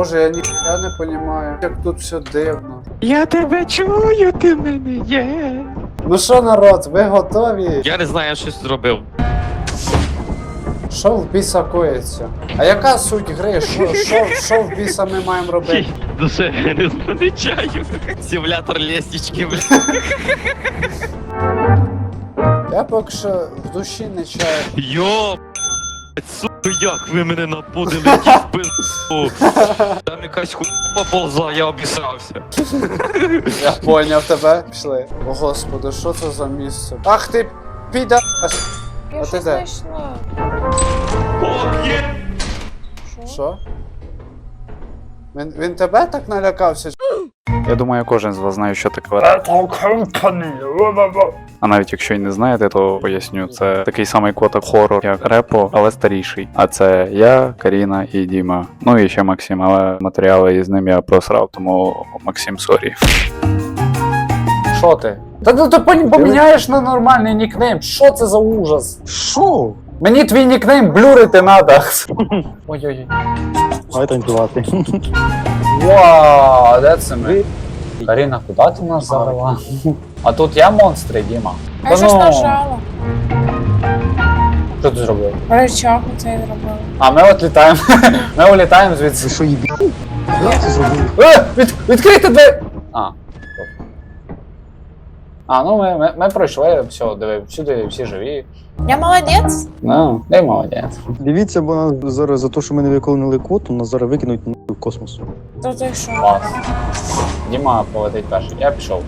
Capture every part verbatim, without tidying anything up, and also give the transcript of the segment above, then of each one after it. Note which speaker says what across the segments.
Speaker 1: Боже, я ніхуя не розумію, як тут все дивно.
Speaker 2: Я тебе чую, ти в мене є.
Speaker 1: Ну що, народ, ви готові?
Speaker 2: Я не знаю, я щось зробив.
Speaker 1: Що в біса коїться? А яка суть гри? Що, що, що в біса ми маємо робити?
Speaker 2: Душе, я не помічаю. Симулятор лестнички, бля.
Speaker 1: Я поки що в душі не чаю.
Speaker 2: Йо, сука, як ви мене напудили, ті в пизду. Там якась хуйня поползла, я обісрався.
Speaker 1: Я поняв тебе. Пішли. О господи, що це за місце? Ах ти піда.
Speaker 3: Я
Speaker 1: А ти
Speaker 3: щось
Speaker 1: де?
Speaker 3: знайшла.
Speaker 2: О, є!
Speaker 3: Що?
Speaker 1: Що? Він, він тебе так налякався? Я думаю, кожен з вас знає, що таке Retro Company. А навіть якщо й не знаєте, то поясню. Це такий самий котик хорор, як Репо, але старіший. А це я, Каріна і Діма. Ну і ще Максим, але матеріали із ним я просрав, тому Максим, сорі. Що ти? Та ну ти поміняєш на нормальний нікнейм. Що це за ужас? Що? Мені твій нікнейм блюрити надо. Ой-ой-ой.
Speaker 4: Давай танцювати.
Speaker 1: Вау, де це ми? Каріна, куди ти нас завела? А тут я монстри, Діма.
Speaker 3: А я щось нажала.
Speaker 1: Що ти зробив?
Speaker 3: Рычаг оцей зробила.
Speaker 1: А ми от літаємо. Ми улітаємо звідси.
Speaker 4: Ви що, їбі? Як це зробив?
Speaker 1: Е, від, відкрийте двері! А. А, ну ми, ми, ми пройшли, все, диви, всюди всі живі.
Speaker 3: Я молодець?
Speaker 1: Ну, дай молодець.
Speaker 4: Дивіться, бо нас зараз за те, що ми не виконали квоту, нас зараз викинуть в космос.
Speaker 3: То ти що?
Speaker 1: Клас. Діма полетить перший, я пішов.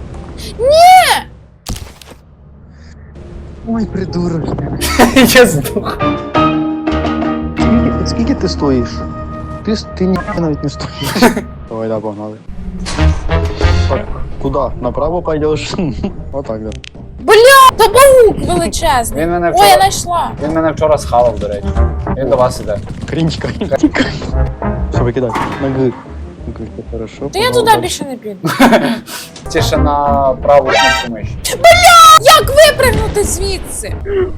Speaker 4: Ой, придурок.
Speaker 1: Я здох.
Speaker 4: Скільки, скільки ти стоїш? Ти, с- ти ні навіть не стоїш. Давай, да, погнали. Так, куди? Направо пойдеш? Отак, да.
Speaker 3: Бля, то паук величезний.
Speaker 1: Він мене
Speaker 3: Ой, я
Speaker 1: вчора,
Speaker 3: знайшла.
Speaker 1: він мене вчора схавав, до речі. Він до вас іде.
Speaker 4: Крінчка. Все, викидай. На Г. Г, хорошо.
Speaker 3: То я туди більше не піду.
Speaker 1: Тише на праву кнопку миші.
Speaker 3: Як випригнути звідси?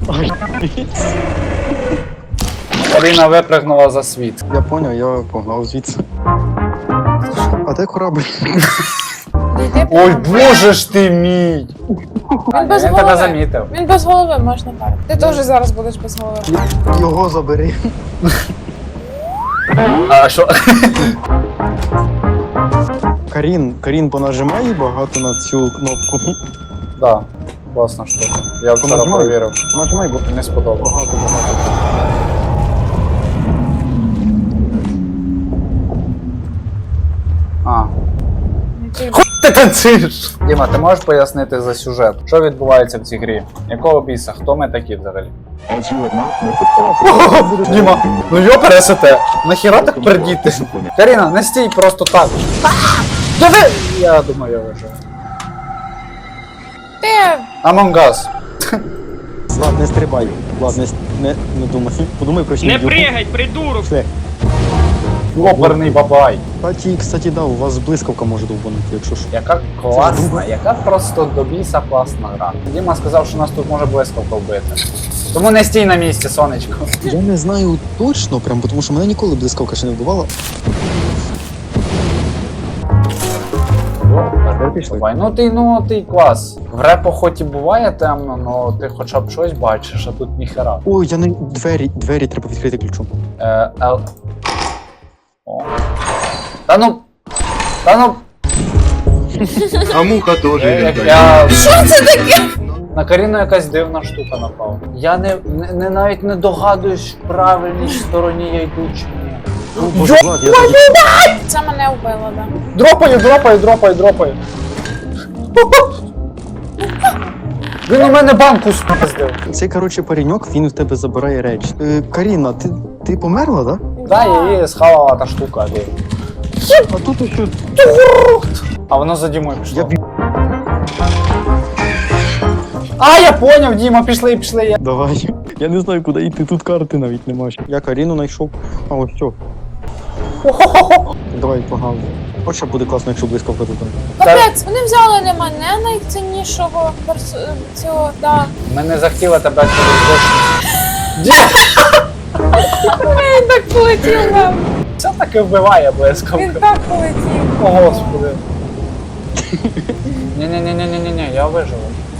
Speaker 1: Каріна випрыгнула за світ.
Speaker 4: Я поняв, я погнав звідси. А де корабль?
Speaker 3: Не йди
Speaker 1: Ой,
Speaker 3: прямо.
Speaker 1: боже ж ти мій! А,
Speaker 3: Він без
Speaker 1: він тебе
Speaker 3: голови.
Speaker 1: замітив.
Speaker 3: Він без голови, можна так. Ти теж зараз будеш без голови.
Speaker 4: Його забери.
Speaker 1: А що?
Speaker 4: Карін, Карін, понажимай багато на цю кнопку.
Speaker 1: Да, класна штука. Я вчора
Speaker 4: Понажимай.
Speaker 1: перевірив.
Speaker 4: Нажимай, бо
Speaker 1: Не сподобалось.
Speaker 4: багато, багато.
Speaker 1: А.
Speaker 3: Ну, ти-
Speaker 1: Ти танцюєш! Діма, ти можеш пояснити за сюжет? Що відбувається в цій грі? Якого біса? Хто ми такі взагалі? Діма, ну йо пересете! Нахіра так пердіти? Каріна, не стій просто так. Диви! Я думаю, я вижу.
Speaker 3: Ти
Speaker 1: Among Us.
Speaker 4: Влад, не стрибай. Влад, не, с- не, не думай. Подумай про
Speaker 2: Не
Speaker 4: сім'ю.
Speaker 2: пригай, придурок!
Speaker 4: Все.
Speaker 1: Оперний бабай.
Speaker 4: Кстати, кстати, да, у вас блискавка може довбанути, якщо що.
Speaker 1: Яка класна, яка просто до біса класна гра. Діма сказав, що нас тут може блискавка вбити. Тому не стій на місці, сонечко.
Speaker 4: Я не знаю точно, прям, тому що мене ніколи блискавка ще не вбивала.
Speaker 1: Давай, ну ти, ну ти клас. В репо хоч і буває темно, но ти хоча б щось бачиш, а тут ніхера.
Speaker 4: Ой, я не... Двері, двері треба відкрити ключом.
Speaker 1: Е, ел... О. Та ну. Та ну.
Speaker 5: А муха тоже
Speaker 1: Я, як
Speaker 5: летает.
Speaker 1: я...
Speaker 3: що це таке?
Speaker 1: На Каріну якась дивна штука напала. Я не, не, не навіть не догадуюсь, в правильній стороні я йду чи ні.
Speaker 4: Боже, Влад, я тоді...
Speaker 3: Це мене вбило, да.
Speaker 1: Дропаю, дропаю, дропаю, дропаю. Він у мене банку спиздив.
Speaker 4: Цей, коротше, пареньок, він в тебе забирає речі. Е, Каріна, ти, ти померла, да?
Speaker 1: Да, її схавала та штука. Де.
Speaker 4: А тут ось...
Speaker 1: А воно за Дімою пішло.
Speaker 4: Я б...
Speaker 1: А, я поняв, Діма, пішли, пішли. Я...
Speaker 4: Давай. Я не знаю, куди йти, тут карти навіть нема. Я Каріну знайшов. А, ось що. Давай, погнали. От що буде класно, якщо блискавка тут.
Speaker 3: Капець, вони взяли не мене найціннішого перс... цього, да.
Speaker 1: Ми не захотіли тебе через дощ.
Speaker 3: Він так полетів нам.
Speaker 1: Все таки вбиває блискавка.
Speaker 3: Він так полетів.
Speaker 1: О, господи. Ні-ні-ні-ні-ні-ні, я виживу.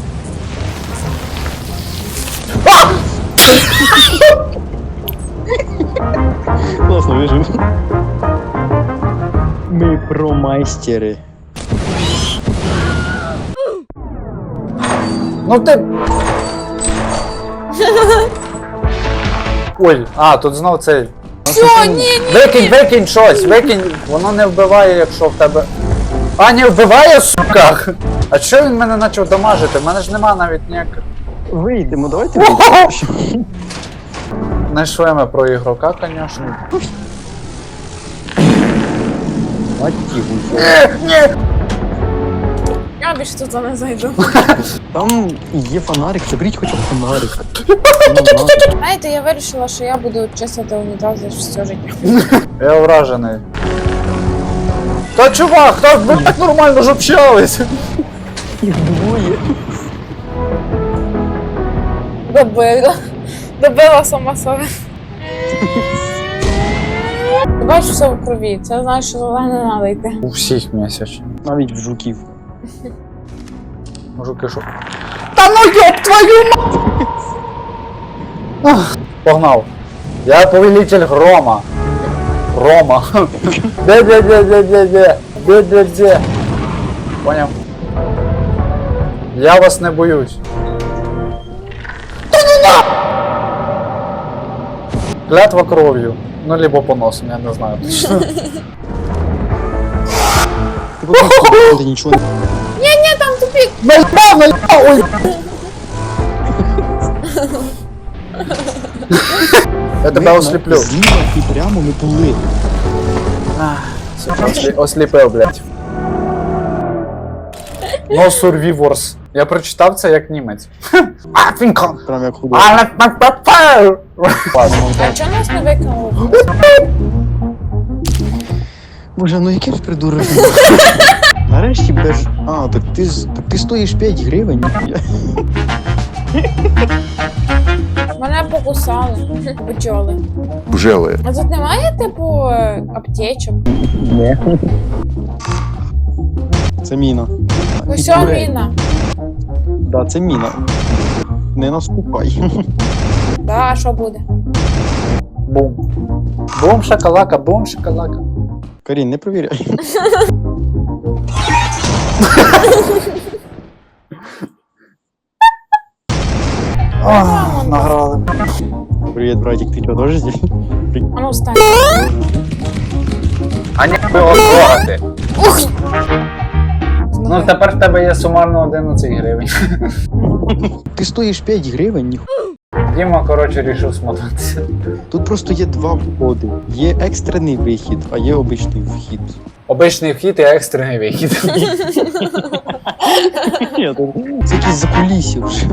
Speaker 4: Класно вижив. Ми промайстери.
Speaker 1: Ну ти. Ой, а, тут знов цей.
Speaker 3: Все, ні, ні.
Speaker 1: Викинь, викинь щось, викинь. Воно не вбиває, якщо в тебе. А, не вбиває, сука! А чого він мене почав дамажити? В мене ж нема навіть ніяких.
Speaker 4: Вийдемо, давайте вийдемо.
Speaker 1: Знайшли ми про ігрока, звісно.
Speaker 4: Мать гульфо.
Speaker 3: Я більше туди не зайду.
Speaker 4: Там є фонарик, заберіть хоча б фонарик.
Speaker 3: Знаєте, я вирішила, що я буду чистити унітази все життя.
Speaker 1: Я вражений. Та чувак, так ви так нормально ж общались.
Speaker 4: Їх двоє.
Speaker 3: Добила. Добила сама себе. Ти бачиш все в крові, це значить, що туди не треба йти.
Speaker 1: У всіх місячно.
Speaker 4: Навіть в жуків.
Speaker 1: Мужики, що? Та ну ёб твою м... Погнав. Я повелитель грома. Грома. Де-де-де-де-де-де. Де-де-де. Поняв? Я вас не боюсь. Та ну на! Клятва кров'ю. Ну, либо поносом, я не знаю точно.
Speaker 4: Ти просто нічого не...
Speaker 3: Ні-ні, там тупік.
Speaker 1: Наебал, наебал, ой! Я тебе осліплю.
Speaker 4: Зліва і прямо ми були.
Speaker 1: Ослі... Осліпив, блядь. No survivors. Я прочитав це як німець. А, фінкон!
Speaker 4: Прям як худо.
Speaker 1: Але папер!
Speaker 3: А чого нас не викинули?
Speaker 4: Боже, ну який ж придурок. Нарешті без... А, так ти, з- так ти стоїш п'ять гривень.
Speaker 3: Мене покусали. Бджоли.
Speaker 5: Бжели.
Speaker 3: А тут немає, типу, е, аптечок?
Speaker 4: Ні. Це міна.
Speaker 3: Ось
Speaker 4: І дурень.
Speaker 3: міна.
Speaker 4: Да, це міна. Не наступай.
Speaker 3: Да, а що буде?
Speaker 1: Бум. Бум шакалака, бум шакалака.
Speaker 4: Карін, не провіряй.
Speaker 1: Ах, награли.
Speaker 4: Привіт, братик, ти чого теж здесь?
Speaker 3: А ну встань.
Speaker 1: А ні, його трогати.
Speaker 3: Ух!
Speaker 1: Ну тепер в тебе є сумарно одинадцять гривень.
Speaker 4: Ти стоїш п'ять гривень, ніху.
Speaker 1: Діма, коротше, рішив смотатися.
Speaker 4: Тут просто є два входи. Є екстрений вихід, а є обичний вхід.
Speaker 1: Обичний вхід і екстрений вихід.
Speaker 4: Це якісь закулісі вже.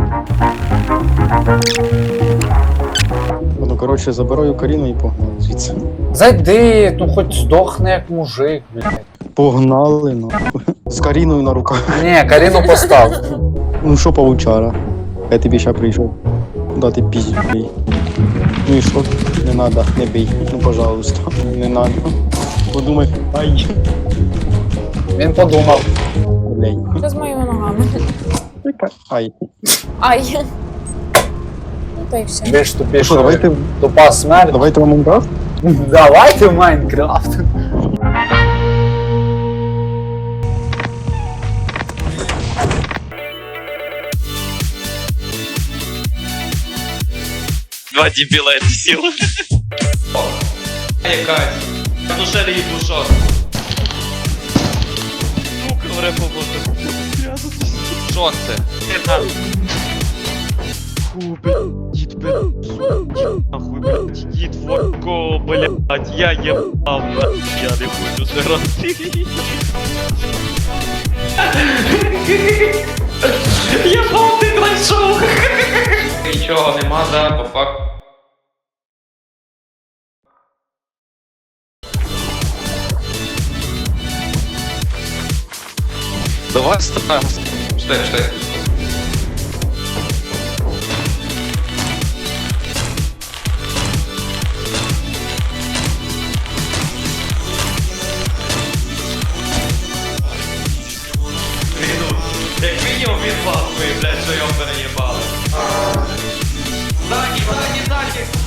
Speaker 4: Ну, коротше, забираю Каріну і погнали звідси.
Speaker 1: Зайди, ну хоч здохни як мужик, блядь.
Speaker 4: Погнали, ну. З Каріною на руках.
Speaker 1: Ні, Каріну постав.
Speaker 4: Ну що, павучара? Я тобі ще прийшов. Дати пізді. Ну і що? Не надо, не бий. Ну, пожалуйста. Не надо. Подумай. Ай.
Speaker 1: Він подумав.
Speaker 4: Блядь.
Speaker 3: Що з моїми ногами?
Speaker 4: Ай.
Speaker 3: Ай. Ну то й все.
Speaker 1: Більш
Speaker 4: Що,
Speaker 1: тупіше.
Speaker 4: давайте,
Speaker 1: Тупа смерть.
Speaker 4: давайте в Майнкрафт?
Speaker 1: Давайте в Майнкрафт.
Speaker 2: Два дебіла я сіл. Якась. В душе її душа. Сука, вре побути. Що це? Фу, блядь, дід, блядь, дід, нахуй, блядь, дід, воко, блядь, я єбав, нахуй, я не хочу жрати. Єбав, ти знайшов. Нічого нема, да, по факту. Давай ставим. Стой, стой. Як мінімум він пахує, блядь, що його переїбали. Ззаді, ззаді, ззаді!